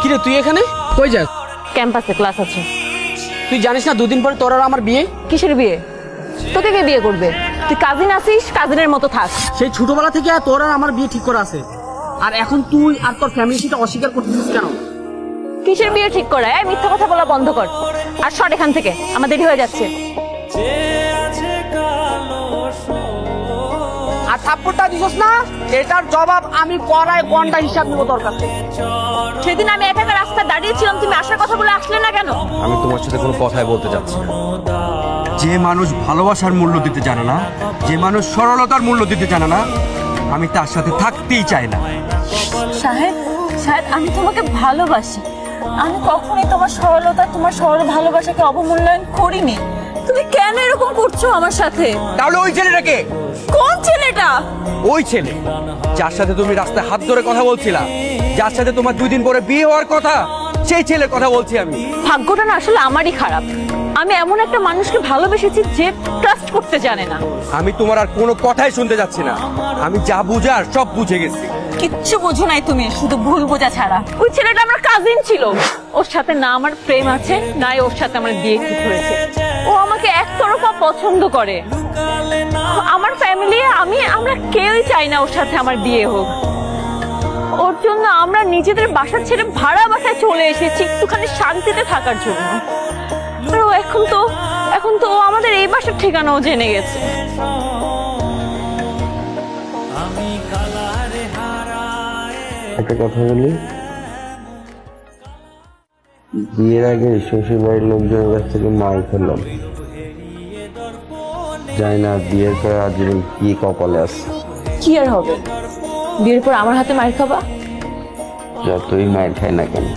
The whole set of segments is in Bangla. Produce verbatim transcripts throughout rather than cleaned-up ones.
কিরে তুই এখানে কই যাস? ক্যাম্পাসে ক্লাস আছে। তুই জানিস না দুদিন পরে তোর আর আমার বিয়ে? কিসের বিয়ে? তোকে কে বিয়ে করবে? তুই কাজিন আছিস, কাজিনের মতো থাক। সেই ছোটবেলা থেকে তোর আর আমার বিয়ে ঠিক করা আছে, আর এখন তুই আর তোর ফ্যামিলি সেটা অস্বীকার করতেছিস কেন? কিসের বিয়ে ঠিক করা? এই মিথ্যা কথা বলা বন্ধ কর আর সর এখান থেকে, আমার দেরি হয়ে যাচ্ছে। আর থাপ্পড়টা দিছস না, এটার জবাব আমি পড়ায় ঘন্টা হিসাব নিব তোর কাছে। সেদিন আমি একা একা রাস্তায় দাঁড়িয়েছিলাম, তুমি আসার কথা বলে আসলে না কেন? আমি তোমার সাথে কোনো কথাই বলতে চাচ্ছি না। যে মানুষ ভালোবাসার মূল্য দিতে জানে না, যে মানুষ সরলতার মূল্য দিতে জানে না, আমি তার সাথে থাকতেই চাই না। সাহেব, সাহেব আমি তোমাকে ভালোবাসি। আমি কখনোই তোমার সরলতা, তোমার সরল ভালোবাসাকে অবমূল্যায়ন করিনি। তুমি কেন এরকম করছো আমার সাথে? তাহলে ওই ছেলেটাকে? কোন ছেলেটা? ওই ছেলে যার সাথে তুমি রাস্তায় হাত ধরে কথা বলছিলা, যার সাথে তোমার দুই দিন পরে বিয়ে হওয়ার কথা, সেই ছেলের কথা বলছি আমি। ভাগ্যটা না আসলে আমারই খারাপ। আমি এমন একটা মানুষকে ভালোবেসেছি যে ট্রাস্ট করতে জানে না। আমি তোমার আর কোনো কথাই শুনতে যাচ্ছি না। আমি যা বুঝার সব বুঝে গেছি। কিচ্ছু বোঝো নাই তুমি, শুধু ভুল বোঝা ছাড়া। ওই ছেলেটা আমার কাজিন ছিল, ওর সাথে না আমার প্রেম আছে নাই ওর সাথে আমার বিয়ে ঠিক হয়েছে। ও আমাকে একতরফা পছন্দ করে। আমার ফ্যামিলি, আমি আমরা কেউই চাই না ওর সাথে আমার বিয়ে হোক। ওর জন্য আমরা নিজেদের বাসা ছেড়ে ভাড়া বাসায় চলে এসেছি একটুখানি শান্তিতে থাকার জন্য। আর ও এখন তো এখন তো ও আমাদের এই বাসার ঠিকানাও জেনে গেছে। একটা কথা বলি, বিয়ের আগে শ্বশুর বাড়ির লোকজনের কাছ থেকে মার খেলাম, জানি না বিয়ের পর আজ কি কপালে আছে। কি আর হবে, বিয়ের পর আমার হাতে মার খাবা? যতই মায়ের খাই না কেন,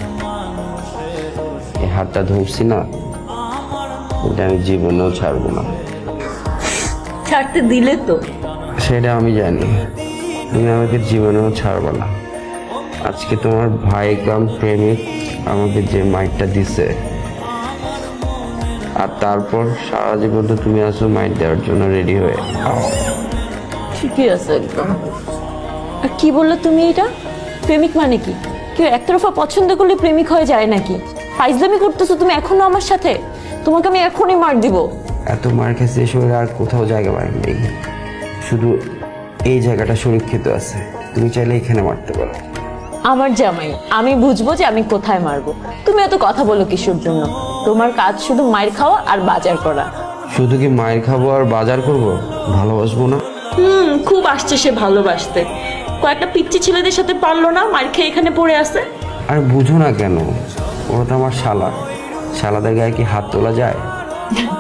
এই হাতটা ধরছি না, এটা আমি জীবনেও ছাড়বো না। ছাড়তে দিলে তো? সেটা আমি জানি, তুমি আমাকে জীবনেও ছাড়বো না। আজকে তোমার ভাই কাম প্রেমিক আমাকে যে মাইটটা দিছে, আর তারপর সারা জীবন তো তুমি আসো মাইট দেওয়ার জন্য রেডি হয়ে। ঠিকই আছে একদম। আর কি বললে তুমি এটা? প্রেমিক মানে কি? কেউ একতরফা পছন্দ করলে প্রেমিক হয়ে যায় নাকি? ফাইজলামি করতেছো তুমি এখনো আমার সাথে? তোমাকে আমি এখনই মার দিব। এত মার খেয়েছে শরীরে আর কোথাও জায়গা পাই নেই, শুধু এই জায়গাটা সুরক্ষিত আছে। তুমি চাইলে এখানে মারতে পারো। আমার জামাই, আমি বুঝবো যে আমি কোথায় মারবো। তুমি এত কথা বলো কিসের জন্য? তোমার কাজ শুধু মায়ের খাওয়া আর বাজার করা। শুধু কি মায়ের খাবো আর বাজার করব? ভালোবাসবো না? হুম, খুব আসছে সে ভালোবাসতে। কয়েকটা পিচ্চি ছেলেদের সাথে পারলো না, মার খেয়ে এখানে পড়ে আছে। আর বুঝো না কেন, ওরা তো আমার শালা। শালাদের গায়ে কি হাত তোলা যায়?